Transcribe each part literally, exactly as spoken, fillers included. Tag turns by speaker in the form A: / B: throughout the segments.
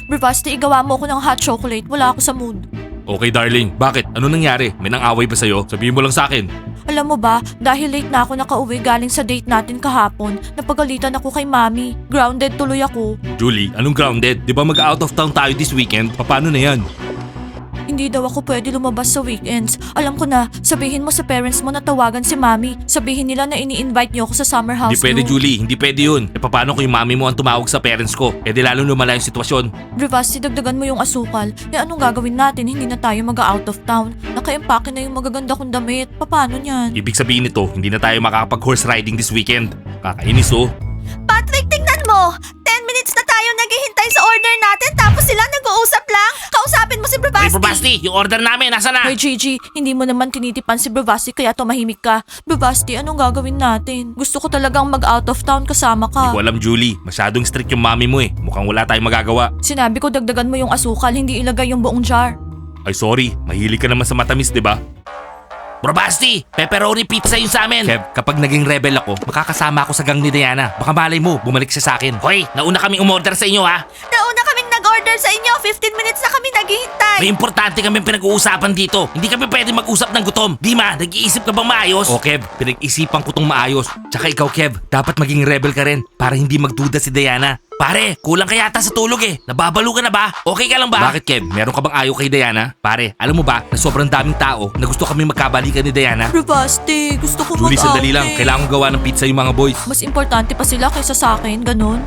A: Bravasti, igawa mo ako ng hot chocolate. Wala ako sa mood.
B: Okay darling, bakit? Ano nangyari? May nang-away ba sa'yo? Sabihin mo lang sa akin.
A: Alam mo ba, dahil late na ako nakauwi galing sa date natin kahapon, napagalitan ako kay Mami. Grounded tuloy ako.
B: Julie, anong grounded? Di ba mag-out of town tayo this weekend? Paano na yan?
A: Hindi daw ako pwede lumabas sa weekends. Alam ko na, sabihin mo sa parents mo na tawagan si Mami. Sabihin nila na ini-invite niyo ako sa summer house
B: Hindi pwede
A: niyo.
B: Julie, hindi pwede yun. E paano kung yung mami mo ang tumawag sa parents ko? E di lalong lumala yung sitwasyon.
A: Bravasti, dagdagan mo yung asukal. Eh anong gagawin natin? Hindi na tayo mag-out of town. Naka-empake na yung magaganda kong damit. Paano niyan?
B: Ibig sabihin nito, hindi na tayo makakapag-horse riding this weekend. Kakainis oh.
A: Patrick, tingnan mo! ten minutes na tayo naghihintay sa order natin tapos sila nag-uusap lang. Kausapin mo si Bravasti.
B: Hey Bravasti, yung order namin, nasa na?
A: Hoy Gigi, hindi mo naman tinitipan si Bravasti kaya tumahimik ka. Bravasti, anong gagawin natin? Gusto ko talagang mag-out of town kasama
B: Hindi
A: ka.
B: ko alam Julie, masyadong strict yung mami mo eh. Mukhang wala tayong magagawa.
A: Sinabi ko dagdagan mo yung asukal, hindi ilagay yung buong jar.
B: Ay sorry, mahilig ka naman sa matamis, di ba? Bravasti, pepperoni pizza yun sa amin. Kev, kapag naging rebel ako, makakasama ako sa gang ni Diana. Baka malay mo, bumalik siya sa akin. Hoy, nauna kaming umorder sa inyo ha.
A: Nauna kaming nag-order sa inyo, fifteen minutes na kami naghihintay.
B: May importante kami pinag-uusapan dito. Hindi kami pwede mag-usap ng gutom. Di ma, nag-iisip ka bang maayos? O Kev, pinag-isipan ko tong maayos. Tsaka ikaw Kev, dapat maging rebel ka rin para hindi magduda si Diana. Pare, kulang ka yata sa tulog eh. Nababalo ka na ba? Okay ka lang ba? Bakit Kev? Meron ka bang ayaw kay Diana? Pare, alam mo ba na sobrang daming tao na gusto kami magkabalikan ni Diana?
A: Bravasti, gusto ko
B: Julie,
A: mag-outing.
B: sandali lang. Kailangan ko gawa ng pizza yung mga boys.
A: Mas importante pa sila kaysa sa akin, ganun.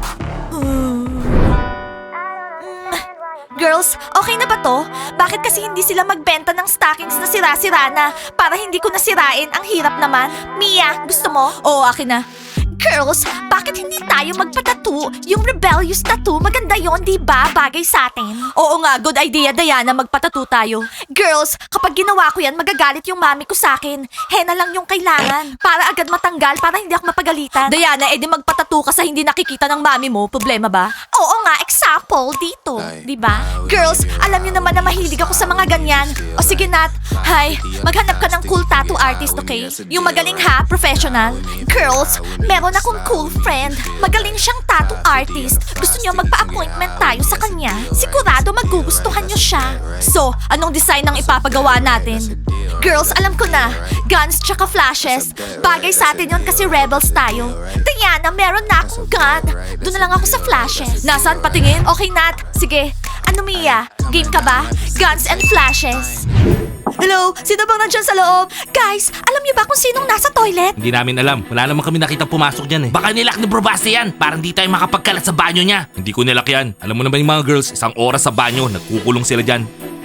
A: Girls, okay na ba to? Bakit kasi hindi sila magbenta ng stockings na sira-sira na para hindi ko nasirain? Ang hirap naman. Mia, gusto mo? Oo, akin na. Girls, bakit hindi tayo magpatattoo? Yung rebellious tattoo, maganda yon, di ba? Bagay sa atin. Oo nga, good idea, Diana, magpatattoo tayo. Girls, kapag ginawa ko yan, magagalit yung mami ko sa akin. Henna lang yung kailangan. Para agad matanggal, para hindi ako mapagalitan. Diana, edi magpatattoo ka sa hindi nakikita ng mami mo. Problema ba? Oo nga, example, dito. Di ba? Girls, alam niyo naman na mahilig ako sa mga ganyan. O sige, Nat. Hi, maghanap ka ng cool tattoo artist, okay? Yung magaling ha, professional. Girls, meron akong cool friend. Magaling siyang tattoo artist. Gusto niyo magpa-appointment tayo sa kanya. Sigurado magugustuhan niyo siya. So, anong design ang ipapagawa natin? Girls, alam ko na. Guns tsaka flashes. Bagay sa atin yon kasi rebels tayo. Diana, meron na akong gun. Doon na lang ako sa flashes. Nasaan patingin? Okay, Nat. Sige. Ano, Mia? Game ka ba? Guns and flashes. Hello? Sino bang nandyan sa loob? Guys, alam niyo ba kung sinong nasa toilet?
B: Hindi namin alam. Wala naman kami nakita pumasok dyan eh. Baka nilak ni Bravasti yan para hindi tayo makapagkalat sa banyo niya. Hindi ko nilak yan. Alam mo naman yung mga girls, isang oras sa banyo, nagkukulong sila dyan.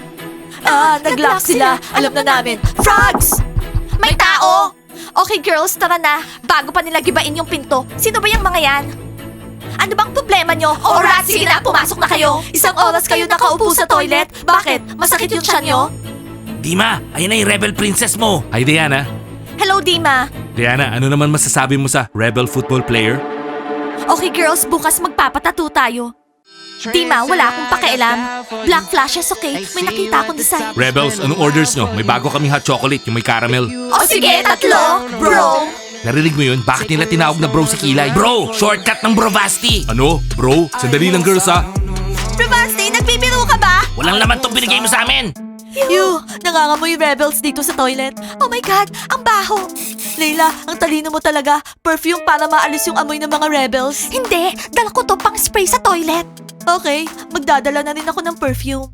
A: Ah, nag-lock sila. Alam na namin. Frogs! May tao! Okay girls, tara na. Bago pa nila gibain yung pinto. Sino ba yung mga yan? Ano bang problema nyo? Alright, sige na, pumasok na kayo. Isang oras kayo nakaupo sa toilet. Bakit? Masakit yung tiyan nyo?
B: Dima, ayun na yung rebel princess mo. Hi Diana.
A: Hello, Dima.
B: Diana, ano naman masasabi mo sa rebel football player?
A: Okay girls, bukas magpapatato tayo. Dima, wala akong pakialam. Black flashes, okay? May nakita akong design.
B: Rebels, anong orders nyo? May bago kaming hot chocolate, yung may caramel.
A: O sige, tatlo, bro.
B: Narinig mo yun? Bakit nila tinawag na bro si Kilay? Bro, shortcut ng Bravasti. Ano? Bro? Sandali lang girls ha.
A: Bravasti, nagbibiro ka ba?
B: Walang laman tong binigay mo sa amin.
A: Ew, nangangamoy yung rebels dito sa toilet. Oh my God, ang baho. Leila, ang talino mo talaga. Perfume para maalis yung amoy ng mga rebels. Hindi, dala ko to pang spray sa toilet. Okay, magdadala na rin ako ng perfume.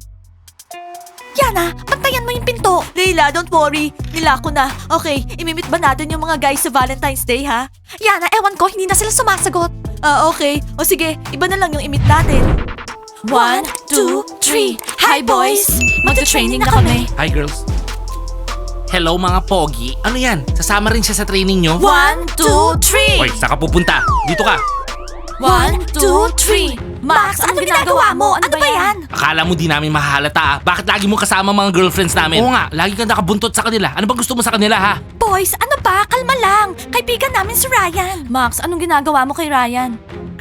A: Yana, bantayan mo yung pinto. Leila, don't worry. Nila ko na. Okay, imimit ba natin yung mga guys sa Valentine's Day, ha? Yana, ewan ko, hindi na sila sumasagot. Ah, okay. O sige, iba na lang yung imit natin. One, two, three. Hi, boys! Magta-training na kami.
B: Hi girls. Hello mga pogi. Ano yan? Sasama rin siya sa training nyo?
A: One, two, three!
B: Hoy, saan ka pupunta? Dito ka.
A: One, two, three! Max, ano ginagawa mo? Ano ba yan?
B: Akala mo di namin mahahalata ah. Bakit lagi mo kasama mga girlfriends namin? Oo nga, lagi ka nakabuntot sa kanila. Ano bang gusto mo sa kanila ha?
A: Boys, ano ba? Kalma lang. Kaibigan namin si Ryan. Max, anong ginagawa mo kay Ryan?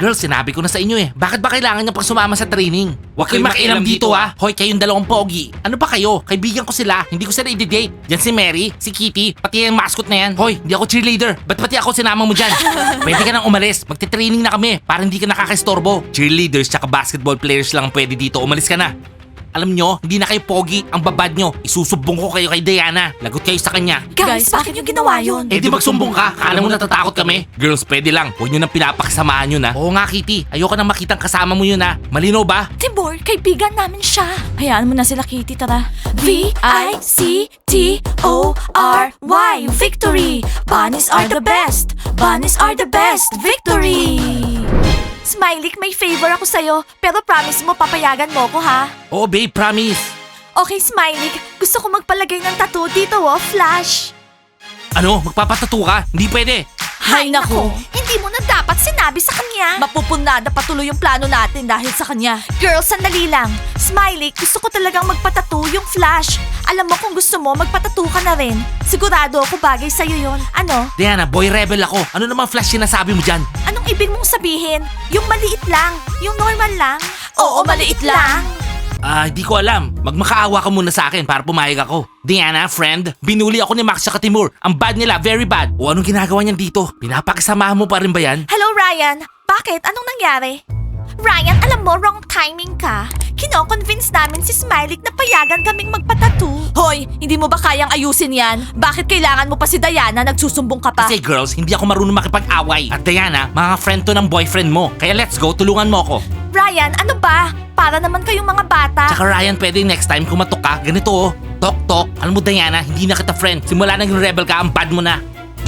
B: Girls, sinabi ko na sa inyo eh. Bakit ba kailangan niyo pang sumama sa training? Huwag kayong makialam dito ah. Hoy, kayong dalawang pogi. Ano ba kayo? Kaibigan ko sila. Hindi ko sila i-date. Yan si Mary, si Kitty, pati yung mascot na yan. Hoy, hindi ako cheerleader. Ba't pati ako sinama mo dyan? Pwede ka nang umalis. Magte-training na kami para hindi ka nakakastorbo. Cheerleaders tsaka basketball players lang pwede dito. Umalis ka na. Alam nyo, hindi na kayo pogi. Ang babad nyo. Isusubong ko kayo kay Diana. Lagot kayo sa kanya.
A: Guys, bakit yung ginawa yun?
B: Eh di magsumbong ka. Kala mo natatakot kami? Girls, pwede lang. Huwag nyo nang pinapakasamahan yun ha. Oo nga, Kitty. Ayoko nang makitang kasama mo yun ha. Malinaw ba?
A: Timur, kaibigan namin siya. Hayaan mo na sila, Kitty, tara. V I C T O R Y Victory! Bunnies are the best! Bunnies are the best! Victory! Smiley, may favor ako sa'yo, pero promise mo papayagan mo ko ha?
B: Oo, babe, promise.
A: Okay, Smiley, gusto ko magpalagay ng tattoo dito oh, Flash.
B: Ano? Magpapatato ka? Hindi pwede.
A: Hay nako, hindi mo na dapat sinabi sa kanya. Mapupunada patuloy yung plano natin dahil sa kanya. Girls, sandali lang. Smiley, gusto ko talagang magpatattoo yung Flash. Alam mo kung gusto mo, magpatattoo ka na rin. Sigurado ako bagay sa'yo yun. Ano?
B: Diana, boy rebel ako. Ano namang Flash sinasabi mo dyan?
A: Anong ibig mong sabihin? Yung maliit lang? Yung normal lang? Oo, maliit lang.
B: Ah, hindi ko alam. Magmakaawa ka muna sa akin para pumayag ako. Diana, friend, binuli ako ni Max sa Timur. Ang bad nila, very bad. O anong ginagawa niyan dito? Pinapakasamahan mo pa rin ba yan?
A: Hello, Ryan. Bakit? Anong nangyari? Ryan, alam mo, wrong timing ka. Kino-convince namin si Smiley na payagan kaming magpatattoo. Hoy, hindi mo ba kayang ayusin yan? Bakit kailangan mo pa si Diana? Nagsusumbong ka pa.
B: Kasi girls, hindi ako marunong makipag-away. At Diana, mga friend to ng boyfriend mo. Kaya let's go, tulungan mo ako.
A: Ryan, ano ba? Para naman kayong mga bata.
B: Tsaka Ryan, pwede next time kumatok ka. Ganito oh. Tok, tok. Alam mo Diana, hindi na kita friend. Simula naging rebel ka, ang bad mo na.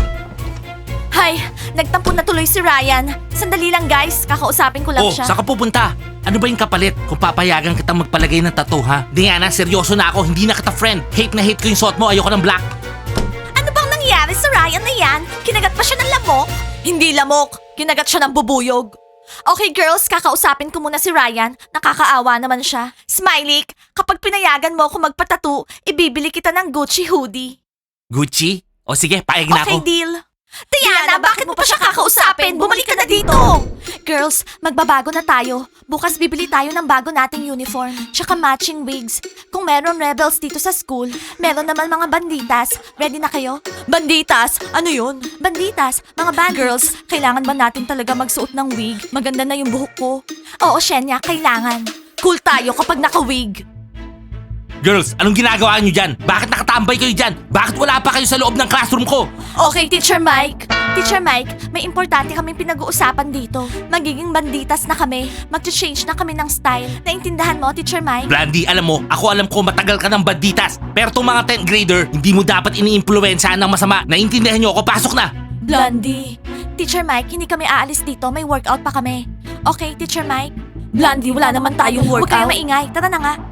A: Hay, nagtampo na tuloy si Ryan. Sandali lang guys, kakausapin ko lang
B: Oh,
A: siya.
B: saan ka pupunta? Ano ba yung kapalit kung papayagan kitang magpalagay ng tattoo ha? Diana, seryoso na ako, hindi na kita friend. Hate na hate ko yung suot mo, ayoko ng black.
A: Ano bang nangyari sa Ryan na yan? Kinagat pa siya ng lamok? Hindi lamok, kinagat siya ng bubuyog. Okay girls, kakausapin ko muna si Ryan. Nakakaawa naman siya. Smiley, kapag pinayagan mo ako magpatattoo, ibibili kita ng Gucci hoodie.
B: Gucci? O sige, paeg na
A: Okay,
B: ako.
A: deal. Diana, bakit mo pa siya kakausapin? Bumalik ka na dito! Girls, magbabago na tayo. Bukas bibili tayo ng bago nating uniform. Tsaka matching wigs. Kung meron rebels dito sa school, meron naman mga banditas. Ready na kayo? Banditas? Ano yun? Banditas, mga band girls, kailangan ba natin talaga magsuot ng wig? Maganda na yung buhok ko. Oo, Shenya, kailangan. Cool tayo kapag naka-wig.
B: Girls, anong ginagawa niyo dyan? Bakit nakatambay kayo dyan? Bakit wala pa kayo sa loob ng classroom ko?
A: Okay, Teacher Mike. Teacher Mike, may importante kaming pinag-uusapan dito. Magiging banditas na kami. Mag-change na kami ng style. Naintindahan mo, Teacher Mike?
B: Blandy, alam mo, ako alam ko matagal ka ng banditas. Pero tong mga tenth grader, hindi mo dapat ini-influensyahan ng masama. Naintindihan niyo ako, pasok na!
A: Blondie. Teacher Mike, hindi kami aalis dito. May workout pa kami. Okay, Teacher Mike? Blondie, wala naman tayong workout. Huwag kayong maingay. Tara na nga.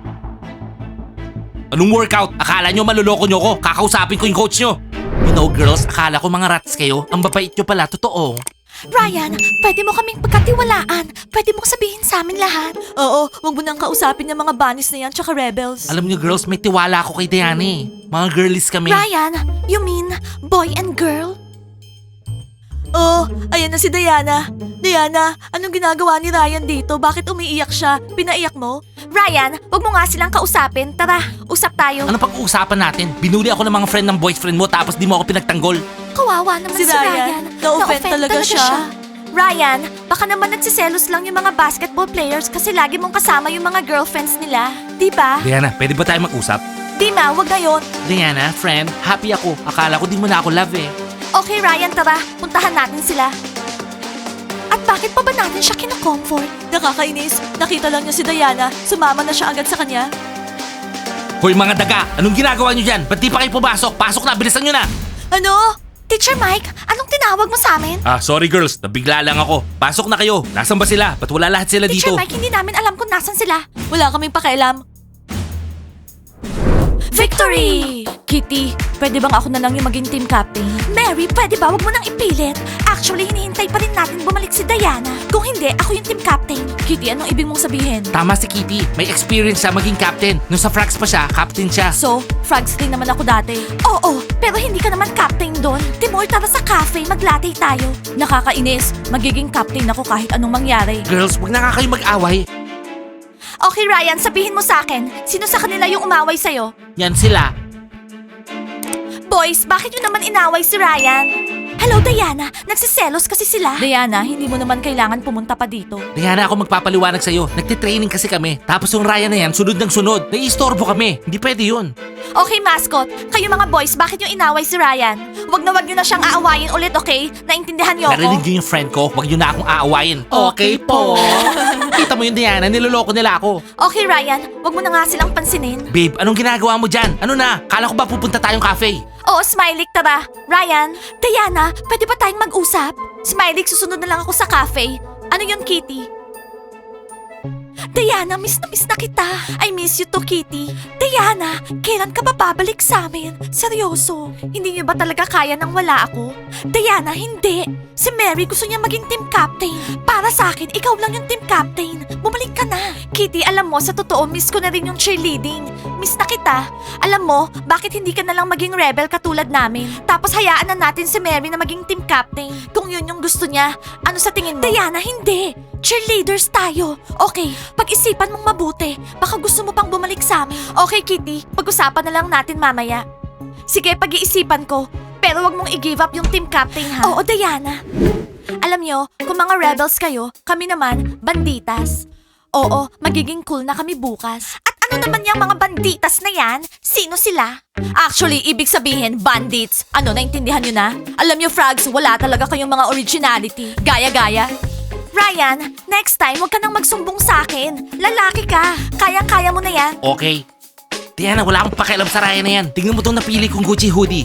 B: Anong workout? Akala nyo maluloko nyo ko? Kakausapin ko yung coach nyo. You know girls, akala ko mga rats kayo. Ang babait nyo pala, totoo.
A: Ryan, pwede mo kaming pagkatiwalaan. Pwede mo sabihin sa amin lahat. Oo, wag mo nang kausapin yung mga bunnies na yan tsaka rebels.
B: Alam nyo girls, may tiwala ako kay Diana eh. Mga girlies kami.
A: Ryan, you mean boy and girl? Oh, ayan na si Diana. Diana, anong ginagawa ni Ryan dito? Bakit umiiyak siya? Pinaiyak mo? Ryan, wag mo nga silang kausapin. Tara, usap tayo.
B: Ano pag-uusapan natin? Binuli ako ng mga friend ng boyfriend mo tapos di mo ako pinagtanggol.
A: Kawawa naman si,
C: Si
A: Ryan.
C: Ryan. Na-offend talaga siya.
A: Ryan, baka naman nagsiselos lang yung mga basketball players kasi lagi mong kasama yung mga girlfriends nila. Di ba?
B: Diana, pwede ba tayo mag-usap?
A: Di ma, wag na yun.
B: Diana, friend, happy ako. Akala ko di mo na ako love eh.
A: Okay, Ryan, tara. Puntahan natin sila. At bakit pa ba natin siya kinocomfort?
C: Nakakainis. Nakita lang niya si Diana. Sumama na siya agad sa kanya.
B: Hoy mga daga, anong ginagawa nyo dyan? Ba't di pa kayo pumasok? Pasok na, bilisan nyo na!
C: Ano?
A: Teacher Mike, anong tinawag mo sa amin?
B: Ah, sorry girls, nabigla lang ako. Pasok na kayo. Nasaan ba sila? Ba't wala lahat sila
A: Teacher
B: dito?
A: Mike, hindi namin alam kung nasan sila.
C: Wala kaming pakialam.
A: Vic, Victory!
C: Kitty, pwede bang ako na lang yung maging team captain?
A: Mary, pwede ba? Huwag mo nang ipilit. Actually, hinihintay pa rin natin bumalik si Diana. Kung hindi, ako yung team captain.
C: Kitty, anong ibig mong sabihin?
B: Tama si Kitty. May experience siya maging captain. Nung sa Frags pa siya, captain siya.
C: So, frogs din naman ako dati.
A: Oo, pero hindi ka naman captain doon. Timur, tara sa cafe, maglatte tayo.
C: Nakakainis. Magiging captain ako kahit anong mangyari.
B: Girls, wag na nga kayo mag-away.
A: Okay, Ryan, sabihin mo sa akin, sino sa kanila yung umaway sa'yo?
B: Yan sila.
A: Boys, bakit nyo naman inaway si Ryan? Hello, Diana. Nagsiselos kasi sila.
C: Diana, hindi mo naman kailangan pumunta pa dito.
B: Diana, ako magpapaliwanag sa'yo. Nagtitraining kasi kami. Tapos yung Ryan na yan, sunod ng sunod. Naiistorbo kami. Hindi pwede yun.
A: Okay, mascot. Kayo mga boys, bakit yung inaway si Ryan? Wag na wag nyo na siyang aawayin ulit, okay? Naintindihan nyo ako?
B: Narinig niyo yung friend ko, wag niyo na akong aawayin.
C: Okay po.
B: Kita mo yun, Diana, niloloko nila ako.
A: Okay, Ryan. Wag mo na nga silang pansinin.
B: Babe, anong ginagawa mo dyan? Ano na? Kala ko ba pupunta tayong cafe?
A: Oo, Smiley, tara. Ryan, Diana, pwede ba tayong mag-usap? Smiley, susunod na lang ako sa cafe. Ano yun, Kitty? Diana, miss na miss na kita. I miss you too, Kitty. Diana, kailan ka ba babalik sa amin? Seryoso, hindi niyo ba talaga kaya nang wala ako? Diana, hindi. Si Mary gusto niya maging team captain. Para sa akin, ikaw lang yung team captain. Bumalik ka na. Kitty, alam mo, sa totoo, miss ko na rin yung cheerleading. Miss na kita. Alam mo, bakit hindi ka na lang maging rebel katulad namin? Tapos hayaan na natin si Mary na maging team captain. Kung yun yung gusto niya, ano sa tingin mo? Diana, hindi. Cheerleaders tayo. Okay, pag-isipan mong mabuti. Baka gusto mo pang bumalik sa amin. Okay, Kitty. Pag-usapan na lang natin mamaya. Sige, pag-iisipan ko. Pero wag mong i-give up yung team captain, ha? Oo, Diana. Alam nyo, kung mga rebels kayo, kami naman, banditas. Oo, magiging cool na kami bukas. At ano naman yung mga banditas na yan? Sino sila?
C: Actually, ibig sabihin, bandits. Ano, naintindihan nyo na? Alam nyo, frogs, wala talaga kayong mga originality. Gaya-gaya.
A: Ryan, next time, huwag ka nang magsumbong sa akin. Lalaki ka. Kayang-kaya mo na yan.
B: Okay. Diana, wala akong pakialam sa Ryan na yan. Tingnan mo itong napili kong Gucci hoodie.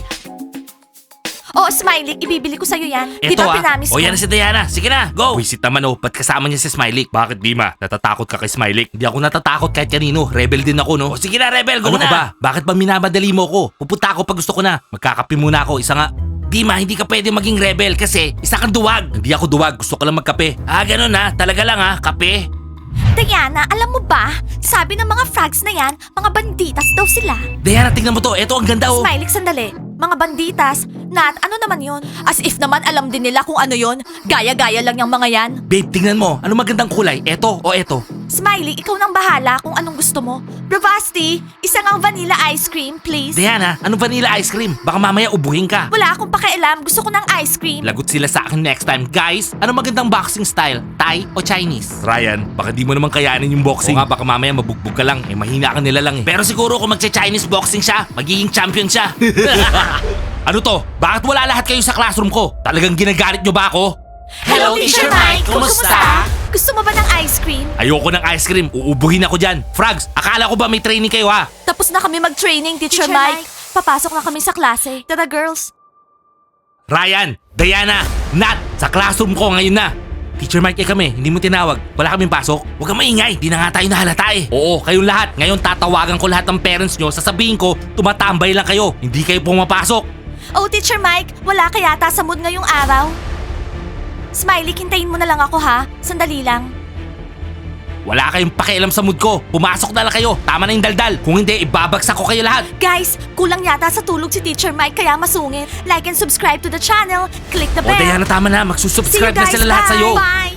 A: Oo, Smiley, ibibili ko sa'yo yan. Di
B: Ito
A: ba
B: ah.
A: pinamis
B: O
A: ko?
B: yan na si Diana. Sige na, go. Wisit naman oh, ba't kasama niya si Smiley? Bakit Dima? Natatakot ka kay Smiley? Hindi ako natatakot kahit kanino. Rebel din ako, no? O sige na, Rebel, go
C: Ano
B: na.
C: ka
B: ba? Bakit ba minamadali mo ko? Pupunta ako pag gusto ko na. Magkakape muna ako, isa nga. Dima, hindi ka pwede maging rebel kasi isa kang duwag. Hindi ako duwag, gusto ko lang magkape. Ah, ganun ha, talaga lang ha, kape.
A: Diana, alam mo ba? Sabi ng mga frogs na yan, mga banditas daw sila.
B: Diana, tingnan mo to. Eto, ang ganda oh.
A: Smiley, sandali. Mga banditas? Nat, ano naman yon?
C: As if naman alam din nila kung ano yon. Gaya-gaya lang yung mga yan.
B: Babe, tingnan mo. Ano magandang kulay? Eto o eto?
A: Smiley, ikaw nang bahala kung anong gusto mo. Bravasti, isang ang vanilla ice cream, please.
B: Diana, anong vanilla ice cream? Baka mamaya ubuhin ka.
A: Wala akong pakialam, gusto ko ng ice cream.
B: Lagot sila sa akin next time. Guys, ano magandang boxing style? Thai o Chinese? Ryan, baka di mo naman kayanin yung boxing. O nga, baka mamaya mabugbog ka lang. Eh, mahina ka nila lang eh. Pero siguro kung magcha-Chinese boxing siya, magiging champion siya. Ano to? Bakit wala lahat kayo sa classroom ko? Talagang ginagalit nyo ba ako?
A: Hello, Teacher Mike. Kumusta? Gusto mo ba ng ice cream?
B: Ayoko ng ice cream. Uubuhin ako dyan. Frogs, akala ko ba may training kayo ha?
C: Tapos na kami mag-training, Teacher,
A: Teacher
C: Mike.
A: Mike.
C: Papasok na kami sa klase.
A: Tara, girls.
B: Ryan, Diana, Nat, sa classroom ko ngayon na. Teacher Mike, eh kami, hindi mo tinawag. Wala kaming pasok. Huwag kang maingay, di na nga tayo nahalata eh. Oo, kayong lahat. Ngayon tatawagan ko lahat ng parents nyo. Sasabihin ko, tumatambay lang kayo. Hindi kayo pumapasok.
A: Oh, Teacher Mike, wala ka yata sa mood ngayong araw. Smiley, hintayin mo na lang ako ha. Sandali lang.
B: Wala kayong pakialam sa mood ko. Pumasok na lang kayo. Tama na yung daldal. Kung hindi, ibabagsak ko kayo lahat.
A: Guys, kulang yata sa tulog si Teacher Mike kaya masungit. Like and subscribe to the channel. Click the
B: O
A: bell.
B: Diana, tama na.
A: See you
B: Magsusubscribe na
A: guys.
B: sila lahat
A: Bye.
B: sa'yo.
A: Bye.